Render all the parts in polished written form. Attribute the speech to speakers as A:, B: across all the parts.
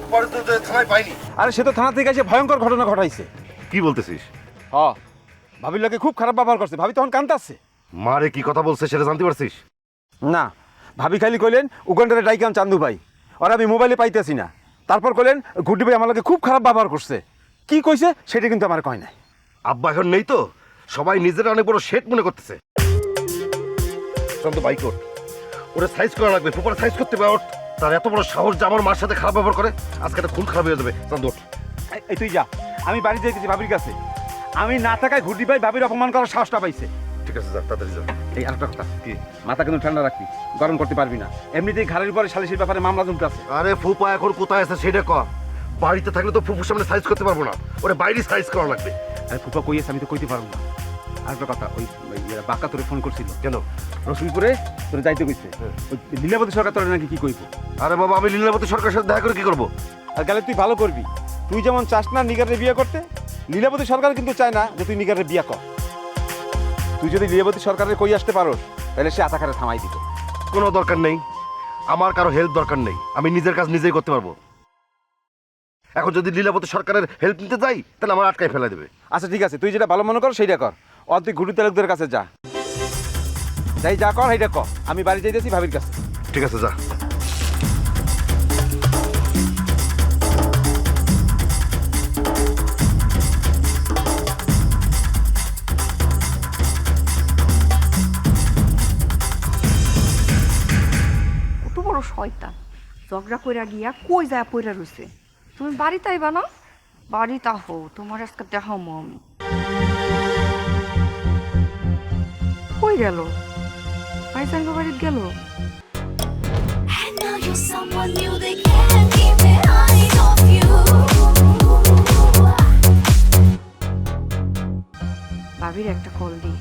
A: পরে তো থানায় পাইনি।
B: আরে সে তো থানা থেকে এসে ভয়ঙ্কর ঘটনা ঘটাইছে।
A: কি বলতেছিস?
B: ভাবির লোকে খুব খারাপ ব্যবহার করছে। ভাবি তখন কাঁদতাছে।
A: মারে কি কথা বলছে সেটা জানতে পারছিস?
B: না, ভাবি খালি কইলেন উগান্ডারে ডাইকাম চান্দু ভাই, আর আমি মোবাইলে পাইতেছি না। তারপর কইলেন গুড্ডি ভাই আমার লোকে খুব খারাপ ব্যবহার করছে। কি কইছে সেটা কিন্তু আমার কয় নাই।
A: আব্বা এখন নেই তো, সবাই নিজেরা অনেক বড় শেট মনে করতেছে। চন্দ্র বাইক ওর, ওরা সাইজ করা লাগবে, ফুপারে সাইজ করতে হবে। ওর তার এত বড় সাহস যে আমার মার সাথে খারাপ ব্যবহার করে, আজকে একটা খুন খারাপ হয়ে যাবে। চন্দ্র
B: এই তুই যা, আমি বাড়ি যাইতেছি ভাবির কাছে। আমি না থাকায় গুড্ডি ভাই ভাবির অপমান করার সাহসটা পাইছে।
A: ঠিক আছে, যা তাড়াতাড়ি যা।
B: এই আরেকটা কথা, কি মাথা কিন্তু ঠান্ডা রাখবি, গরম করতে পারবি না। এমনিতেই ঘাড়ের উপরে সালিসের ব্যাপারে মামলা জমতে আছে।
A: আরে ফুপা এখন কোথায় আছে সেটা কর। বাড়িতে থাকলে তো ফুপুর সামনে সাইজ করতে পারবো না, ওরে বাইরে সাইজ করা লাগবে।
B: আরে ফুপা কইয়েছে, আমি তো কইতে পারবো না। আরেকটা কথা, ওই বাক্কা তোরে ফোন করছিল।
A: কেন?
B: রসুলপুরে তোরে যাইতে কইছে। ওই লীলাবতী সরকার তোরে নাকি কি কইব।
A: আরে বাবা, আমি লীলাবতী সরকারের সাথে দেখা করে কি করবো?
B: আর গেলে তুই ভালো করবি। তুই যেমন চাস না নিগারে বিয়ে করতে, লীলাবতী সরকার কিন্তু চায় না যে তুই নিগারে বিয়ে কর। তুই যদি লীলাবতী সরকারের কই আসতে পারোস, তাহলে সে আতাখারে থামাই দিত।
A: কোনো দরকার নেই, আমার কারো হেল্প দরকার নেই, আমি নিজের কাজ নিজেই করতে পারবো। এখন যদি লীলাবতী সরকারের হেল্প নিতে যাই তাহলে আমার আটকায় ফেলে দেবে।
B: আচ্ছা ঠিক আছে, তুই যেটা ভালো মনে কর সেইটা কর। তুই ঘুটু তালুকদের কাছে যা, যাই যা কর সেইটা কর। আমি বাড়ি যাইতেছি ভাবির কাছে।
A: ঠিক আছে, যা।
C: কত বড় শয়তান, ঝগড়া কইরা গিয়া কই যায় পইরা রইছে। তুমি বাড়িতে আইবা না? বাড়িতে আহো, তোমার আজকে দেখামো আমি। কই গেল? ভাইজান বাড়িতে গেল?
D: And now you're someone new, they can't keep their eyes off you.
C: ভাবির একটা কল দি।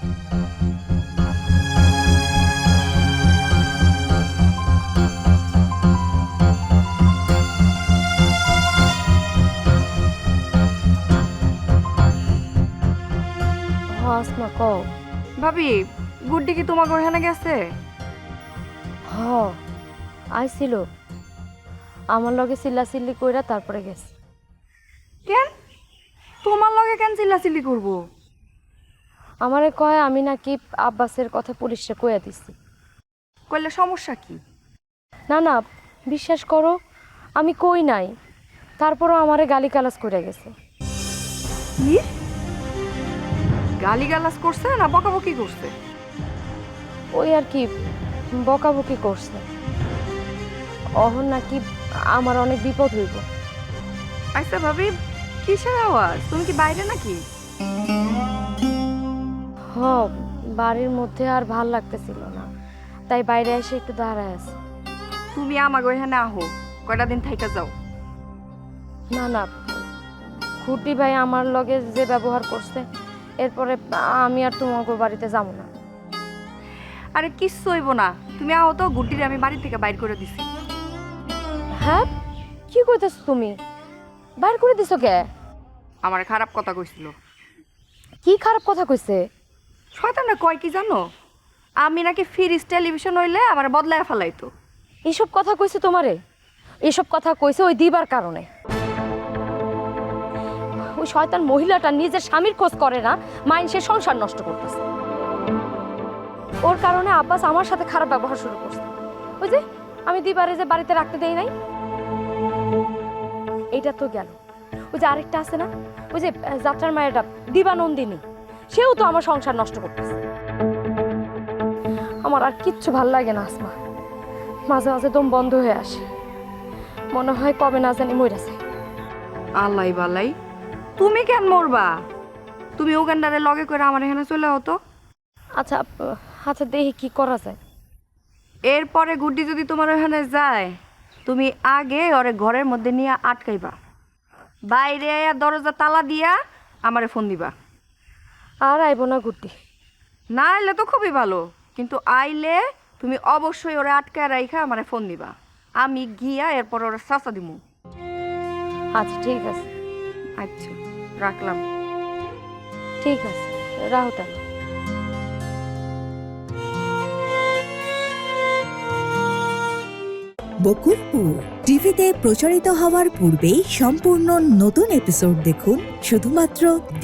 E: আসমা কও।
C: ভাবি, গুড্ডি কি তোমার ওখানে গেছে?
E: হ আইছিল, আমার লগে চিল্লাচিল্লি কইরা তারপরে গেছে।
C: কেন? তোমার লগে কেন চিল্লাচিল্লি করবো?
E: আমারে কয় আমি নাকি আব্বাসের কথা পুলিশে কইয়া দিছি।
C: কইলে সমস্যা কি?
E: না না, বিশ্বাস করো আমি কই নাই, তারপরও আমারে গালিগালাজ কইরা গেছে।
C: কি? গালিগালাজ করছে না বকাবকি করছে?
E: ওই আর কি, বকাবকি করছে। অহন নাকি আমার অনেক বিপদ হইব।
C: আচ্ছা ভাবি, কিসের আওয়াজ? তুমি কি বাইরে নাকি?
E: হ, বাড়ির মধ্যে আর ভাল লাগতেছিল না, তাই বাইরে এসে একটু দাঁড়ায় আছে।
C: তুমি আমাকে ওইখানে আহো, কয়টা দিন থাইকা যাও।
E: না না, খুঁটি ভাই আমার লগে যে ব্যবহার করছে, এরপরে আমি আর তোমাকে বাড়িতে যাব না।
C: আরে কিচ্ছু হইব না, তুমি আহো তো। গুড্ডিরে আমি বাড়ি থেকে বাইর করে দিছি।
E: হ্যাঁ, কি কইতেছ তুমি? বাইর করে দিছো কে?
C: আমার খারাপ কথা কইছিল।
E: কি খারাপ কথা কইছে?
C: শয়তানরা কয় কি জানো? আমি নাকি ফ্রিজ টেলিভিশন হইলে আমার বদলায় ফেলাইতো।
E: এইসব কথা কইছে তোমারে? এইসব কথা কইছে ওই দিবার কারণে। ওই শয়তান মহিলাটা নিজের স্বামীর খোঁজ করে না, মাইনসের সংসার নষ্ট করতেছে। ওর কারণে আব্বাস আমার সাথে খারাপ ব্যবহার শুরু করছে। ওই যে আমি দিবারে যে বাড়িতে রাখতে দেই নাই, এইটা তো গেল। ওই যে আরেকটা আছে না, ওই যে যাত্রার মায়েরটা দিবানন্দিনী, সেও তো আমার সংসার নষ্ট করতেছে। আমার আর কিচ্ছু ভাল লাগে না আসমা, মাঝে মাঝে দম বন্ধ হয়ে আসে, মনে হয় কবে না জানি মইরাছে।
C: আল্লাহ বালাই, তুমি কেন মরবা? তুমি উগান্ডারে লগে করে আমার এখানে চলে হতো।
E: আচ্ছা আচ্ছা, দেখি কি করা যায়।
C: এরপরে গুড্ডি যদি তোমার ওখানে যায়, তুমি আগে ওরে ঘরের মধ্যে নিয়ে আটকাইবা, বাইরে আয়া দরজা তালা দিয়া আমারে ফোন দিবা।
E: আর আইব না গুড্ডি?
C: না আইলে তো খুবই ভালো, কিন্তু আইলে তুমি অবশ্যই ওরে আটকায় রাইখা আমারে ফোন দিবা। আমি গিয়া এরপর ওরা চাচা দিমু।
E: আচ্ছা ঠিক আছে।
C: আচ্ছা, রাখলাম।
E: ঠিক আছে, রাহো তাহলে।
F: বকুলপুর টিভিতে প্রচারিত হওয়ার পূর্বেই সম্পূর্ণ নতুন এপিসোড দেখুন শুধুমাত্র